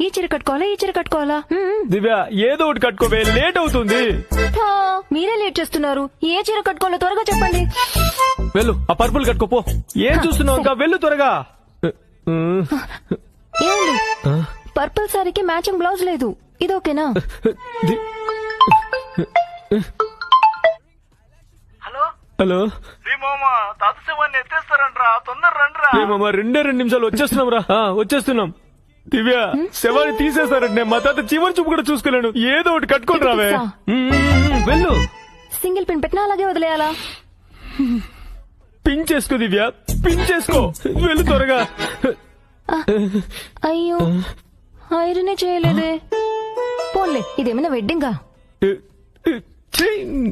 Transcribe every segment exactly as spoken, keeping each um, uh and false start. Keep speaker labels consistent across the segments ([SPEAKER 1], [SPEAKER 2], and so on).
[SPEAKER 1] ఈ చీర కట్టుకోవాలా ఈ చీర కట్టుకోవాలా మ్మ్.
[SPEAKER 2] దివ్య ఏదో ఒకటి కట్టుకోవే, లేట్ అవుతుంది.
[SPEAKER 1] ఆ, మీరే లేట్ చేస్తున్నారు. ఏ చీర కట్టుకోవాలో త్వరగా చెప్పండి.
[SPEAKER 2] వెళ్ళు ఆ పర్పుల్ కట్టుకోపో. ఏం చూస్తున్నావు ఇంకా, వెళ్ళు త్వరగా.
[SPEAKER 1] ఏమండి, పర్పుల్ సారీకి మ్యాచింగ్ బ్లౌజ్ లేదు, ఇది ఓకేనా?
[SPEAKER 2] ది-
[SPEAKER 3] హలో
[SPEAKER 2] హలో
[SPEAKER 3] రీ మామ తాత శవాన్ని ఎత్తేస్తారంట్రా, తొందర రండిరా.
[SPEAKER 2] ఏమమ్మా, రెండే రెండు నిమిషాలు వచ్చేస్తున్నాం రా. ఆ, వచ్చేస్తున్నాం. దివ్య శవాన్ని తీసేస్తారంటే మా తాత చివరి చూపు కూడా చూసుకోలేను. ఏదో ఒకటి కట్టుకొని రావే.
[SPEAKER 1] ఇదిగో.
[SPEAKER 2] ఉమ్, ఉమ్, ఉమ్, వెళ్ళు.
[SPEAKER 1] సింగిల్ పిన్ పెట్టినా అలాగే వదిలేయాలా?
[SPEAKER 2] పిన్ చేసుకో దివ్య, పిన్ చేసుకో. వెళ్ళు త్వరగా.
[SPEAKER 1] అయ్యో, ఐరనే చేయలేదే. పోన్లే, ఇదేమైనా వెడ్డింగా?
[SPEAKER 2] ఛీ!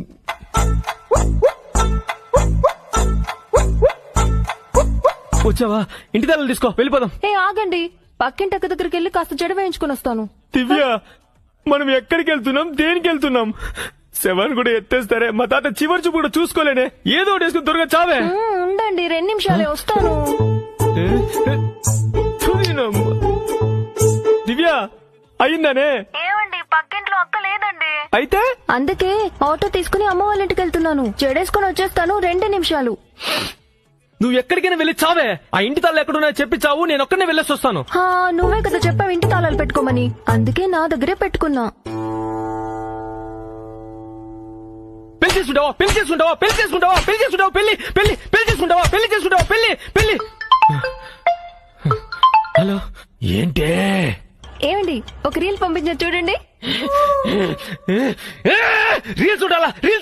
[SPEAKER 2] వచ్చావా? ఇంటి తల్లి తీసుకో, వెళ్ళిపోదాం.
[SPEAKER 1] ఏ ఆగండి, పక్కింటి అక్క దగ్గరికి వెళ్ళి కాస్త జడ వేయించుకుని వస్తాను.
[SPEAKER 2] దివ్య, మనం ఎక్కడికి వెళ్తున్నాం, దేనికి వెళ్తున్నాం? శవాన్ని కూడా ఎత్తేస్తారే, మా తాత చివరి చూపు కూడా చూసుకోలేనే. ఏదో ఒకటి వేసుకుని త్వరగా చావే.
[SPEAKER 1] మ్మ్, ఉండండి, రెండు నిమిషాలే వస్తాను.
[SPEAKER 2] తుదినమ్మ. దివ్య, అయిందనే?
[SPEAKER 1] ఏమండి, పక్కింట్లో అక్క లేదండి.
[SPEAKER 2] అయితే
[SPEAKER 1] అందుకే ఆటో తీసుకుని అమ్మ వాళ్ళ ఇంటికి వెళ్తున్నాను. జడేసుకుని వచ్చేస్తాను, రెండు నిమిషాలు.
[SPEAKER 2] నువ్వు ఎక్కడికైనా వెళ్ళి చావే. ఆ ఇంటి తాళ్ళు ఎక్కడున్నాయో చెప్పి చావు, నేను ఒక్కనే వెళ్ళేసి వస్తాను.
[SPEAKER 1] హా, నువ్వే కదా చెప్పావు ఇంటి తాళాలు పెట్టుకోమని, అందుకే నా దగ్గరే పెట్టుకున్నా.
[SPEAKER 2] పెళ్లి చేసుకుంటావా, పెళ్లి చేసుకుంటావా, పెళ్లి చేసుకుంటావా, పెళ్లి చేసుకుంటావా, పెళ్లి పెళ్లి పెళ్లి చేసుకుంటావా, పెళ్లి చేసుకుంటావా, పెళ్లి పెళ్లి. హలో, ఏంటే?
[SPEAKER 1] ఏమండి, ఒక రీల్ పంపించారు చూడండి.
[SPEAKER 2] రీల్స్ చూడాలా, రీల్స్